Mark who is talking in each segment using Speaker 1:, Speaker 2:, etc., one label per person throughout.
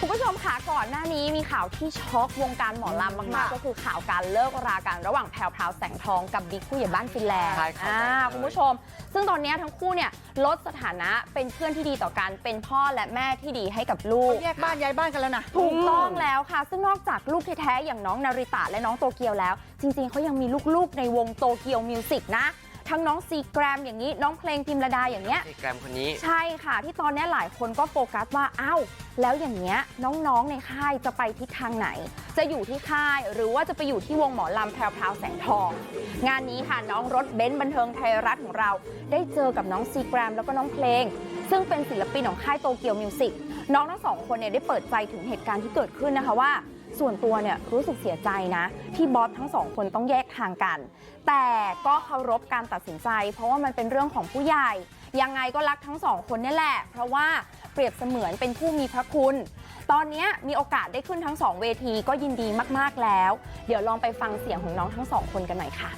Speaker 1: คุณผู้ชมค่ะก่อนหน้านี้มีข่าวที่ช็อกวงการหมอลำมากๆก็คือข่าวการเลิกรากันระหว่างแพรวพราวแสงทองกับบิ๊กผู้ใหญ่บ้านฟินแลนด์คุณผู้ชมซึ่งตอนนี้ทั้งคู่เนี่ยลดสถานะเป็นเพื่อนที่ดีต่อกันเป็นพ่อและแม่ที่ดีให้กับลูก
Speaker 2: แยกบ้านย้ายบ้านกันแล้วนะ
Speaker 1: ถูกต้องแล้วค่ะซึ่งนอกจากลูกแท้ๆอย่างน้องนาริตะและน้องโตเกียวแล้วจริงๆเขายังมีลูกๆในวงโตเกียวมิวสิกนะทั้งน้องซีแกรมอย่างนี้น้องเพลงพิมระดาอย่างเงี้ย
Speaker 3: ซีแกรมคนนี้
Speaker 1: ใช่ค่ะที่ตอนนี้หลายคนก็โฟกัสว่าอ้าวแล้วอย่างเงี้ยน้องๆในค่ายจะไปทิศทางไหนจะอยู่ที่ค่ายหรือว่าจะไปอยู่ที่วงหมอลำแพรวพราวแสงทองงานนี้ค่ะน้องรถเบนซ์บันเทิงไทยรัฐของเราได้เจอกับน้องซีแกรมแล้วก็น้องเพลงซึ่งเป็นศิลปินของค่ายโตเกียวมิวสิกน้องทั้งสองคนเนี่ยได้เปิดใจถึงเหตุการณ์ที่เกิดขึ้นนะคะว่าส่วนตัวเนี่ยรู้สึกเสียใจนะที่บอสทั้งสองคนต้องแยกทางกันแต่ก็เคารพการตัดสินใจเพราะว่ามันเป็นเรื่องของผู้ใหญ่ยังไงก็รักทั้งสองคนนี่แหละเพราะว่าเปรียบเสมือนเป็นผู้มีพระคุณตอนนี้มีโอกาสได้ขึ้นทั้งสองเวทีก็ยินดีมากๆแล้วเดี๋ยวลองไปฟังเสียงของน้องทั้งสองคนกันหน่อยค่ะ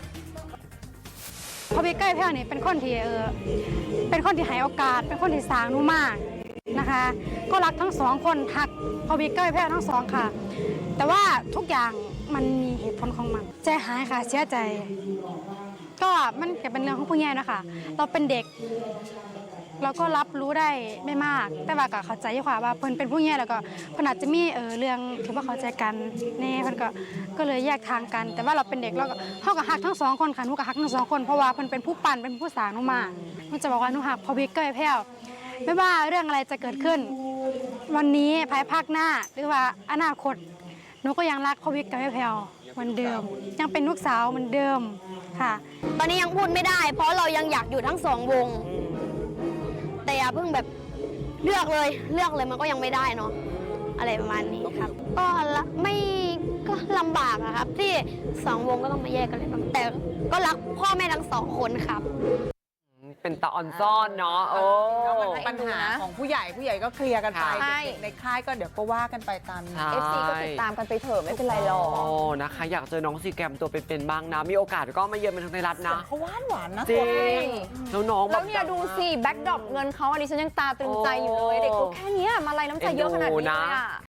Speaker 4: พอบิ๊กใกล้แพ้นี่เป็นคนที่ให้โอกาสเป็นคนที่สร้างหนูมากนะคะก็รักทั้งสองคนหักพอบิ๊กใกล้แพ้ทั้งสองค่ะแต่ว่าทุกอย่างมันมีเหตุผลของมันใจหายค่ะเสียใจก็มันก็เป็นเรื่องของผู้ใหญ่นะคะเราเป็นเด็กเราก็รับรู้ได้ไม่มากแต่ว่าก็เข้าใจค่ะว่าเพิ่นเป็นผู้ใหญ่แล้วก็เพิ่นอาจจะมีเรื่องที่ว่าเข้าใจกันแน่เพิ่นก็เลยแยกทางกันแต่ว่าเราเป็นเด็กเราก็เฮาก็ฮักทั้งสองคนค่ะหนูก็ฮักทั้งสองคนเพราะว่าเพิ่นเป็นผู้ปั่นเป็นผู้สร้างหนูมาหนูจะบอกว่าหนูฮักพอบิ๊กเกยแพ้วไม่ว่าเรื่องอะไรจะเกิดขึ้นวันนี้ภายภาคหน้าหรือว่าอนาคตหนูก็ยังรักพอบิ๊กเกยแพ้วเหมือนเดิมยังเป็นลูกสาวเหมือนเดิมค่ะ
Speaker 5: ตอนนี้ยังพูดไม่ได้เพราะเรายังอยากอยู่ทั้งสองวงแต่อย่าเพิ่งแบบเลือกเลยมันก็ยังไม่ได้เนาะอะไรประมาณนี้ครับก็ไม่ก็ลำบากอะครับที่สองวงก็ต้องมาแยกกันเลยแต่ก็รักพ่อแม่ทั้งสองคนครับ
Speaker 3: เป็นตาออนซ่อนเนาะ
Speaker 2: ปัญหาของผู้ใหญ่ก็เคลียร์กันไปเด็กในค่ายก็เดี๋ยวก็ว่ากันไปตาม
Speaker 1: FC ก็ติดตามกันไปเถอะไม่เป็นไรหรอก
Speaker 3: นะคะอยากเจอน้องซีแกรมตัวเป็นๆบ้างนะมีโอกาสก็มาเยือนบันเทิงไทยรัฐนะ
Speaker 2: เขาหวานนะ
Speaker 3: จริงแล้วน้อง
Speaker 1: แล้วเนี่ยดูสิแบ็คดรอปเงินเขาอันนี้ฉันยังตาตรึงใจอยู่เลยเด็กตัวแค่นี้มาลัยน้ำใจเยอะขนาดนี้เลยอะ